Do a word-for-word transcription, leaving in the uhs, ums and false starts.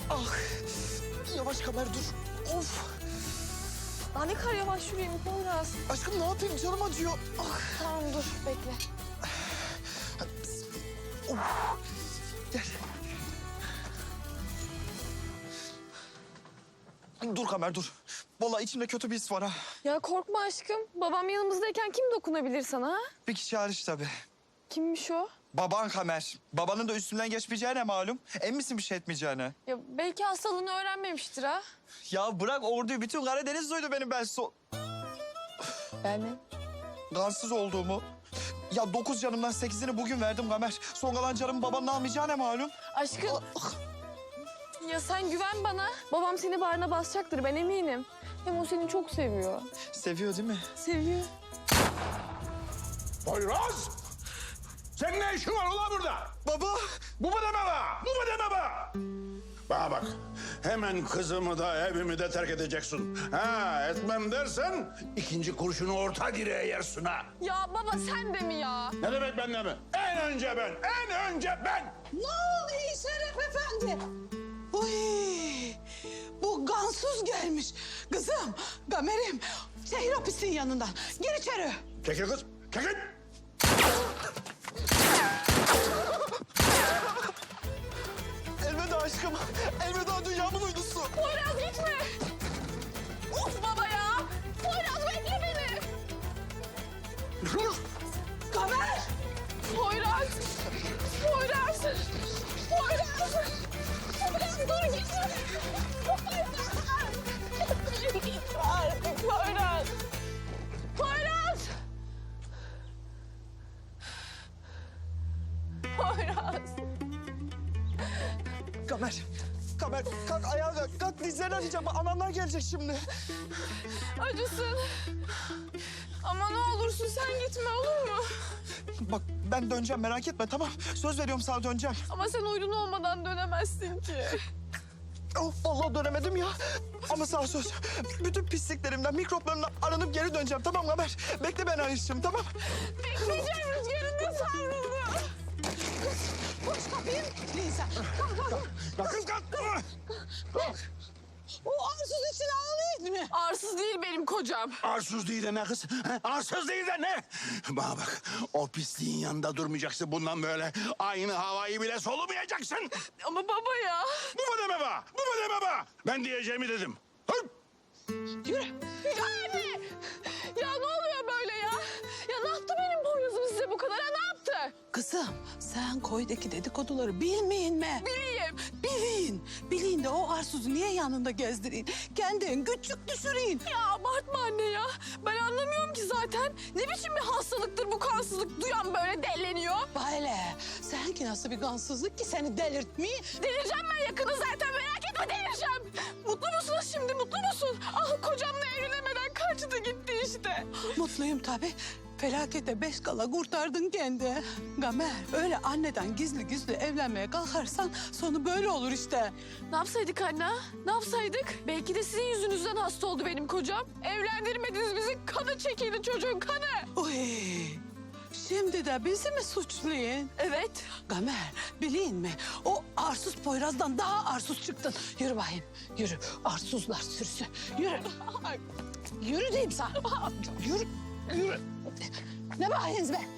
Ah. Yavaş Kamer dur. Of. Daha ne kadar yavaş yürüyeyim Poyraz. Aşkım ne yapayım canım acıyor. Ah. Tamam dur bekle. Of. Gel. Dur Kamer dur. Vallahi içimde kötü bir his var ha. Ya korkma aşkım. Babam yanımızdayken kim dokunabilir sana ha? Bir kişi hariç tabii. Kimmiş o? Baban Kamer. Babanın da üstünden geçmeyeceğine malum. Emin misin bir şey etmeyeceğine? Ya belki hastalığını öğrenmemiştir ha. Ya bırak orduyu, bütün Karadeniz duydu benim ben so... Ben mi? Gansız olduğumu. Ya dokuz canımdan sekizini bugün verdim Kamer. Son kalan canımı babanın almayacağına malum. Aşkım. Ya sen güven bana. Babam seni bağrına basacaktır ben eminim. Hem o seni çok seviyor. Seviyor değil mi? Seviyor. Poyraz! Senin ne işin var ulan burada? Baba! Bu mu deme be? Bu mu deme be? Bana bak, hemen kızımı da evimi de terk edeceksin. Ha, etmem dersen ikinci kurşunu orta direğe yersin ha. Ya baba sen de mi ya? Ne demek ben de mi? En önce ben, en önce ben. Ne oluyor Şeref Efendi? Uy, bu gansuz gelmiş. Kızım, Gamer'im, şehir hapisinin yanından. Gir içeri. Çekil kız, çekil. Elveda aşkım. Elveda dünyamın uydusu. Poyraz gitme. Of baba ya. Poyraz bekle beni. Gamer! Poyraz. Poyraz. Poyraz. Poyraz dur gitme. Poyraz. Gitme artık Poyraz. Poyraz. Poyraz. Kamer. Kamer kalk ayağa kalk. Kalk dizlerini açacağım. Ananlar gelecek şimdi. Acısın. Ama ne olursun sen gitme olur mu? Bak ben döneceğim merak etme tamam. Söz veriyorum sana döneceğim. Ama sen uydun olmadan dönemezsin ki. Oh, vallahi dönemedim ya. Ama sana söz. Bütün pisliklerimden, mikroplarımdan aranıp geri döneceğim tamam Kamer. Bekle beni Ayşe'cim tamam. Bekleyeceğim rüzgarında savruldu. Koş kapıyı. Neyse, kalk kalk. Kalk kız kalk. O arsız için ağlayın mı? Arsız değil benim kocam. Arsız değil de ne kız? Ha? Arsız değil de ne? Bana bak, o pisliğin yanında durmayacaksın bundan böyle. Aynı havayı bile solumayacaksın. Ama baba ya. Bu mu deme be? Bu mu deme be? Ben diyeceğimi dedim. Hı? Yürü. Yani. Ya ne oluyor böyle ya? Ya ne yaptı benim Poyraz'ım size bu kadar? Ha, ne yaptı? Kızım, sen koydaki dedikoduları bilmeyin mi? Bileyim. Bilin. Bilin de o arsuzu niye yanında gezdirin? Kendin küçük düşürün. Ya abartma anne ya. Ben anlamıyorum ki zaten. Ne biçim bir hastalıktır bu kansızlık? Duyan böyle delleniyor. Böyle. Sen ki nasıl bir gansızlık ki seni delirtmeyi? Delireceğim ben yakını zaten merak etme delireceğim. Mutlu musunuz şimdi mutlu musun? Ah kocamla evlenemeden kaçtı gitti işte. Mutluyum tabii. Felakete beş kala kurtardın kendi. Gamer, öyle anneden gizli gizli evlenmeye kalkarsan sonu böyle olur işte. Ne yapsaydık anne? ha? Ne yapsaydık? Belki de sizin yüzünüzden hasta oldu benim kocam. Evlendirmediniz bizi. Kanı çekildi çocuğun kanı. Uy, şimdi de bizi mi suçlayın? Evet. Gamer, bileyim mi? O arsuz Poyraz'dan daha arsuz çıktın. Yürü bakayım, yürü. Arsuzlar sürüsü. Yürü. Yürü diyeyim sana. Yürü, yürü. Ne bakıyorsunuz be?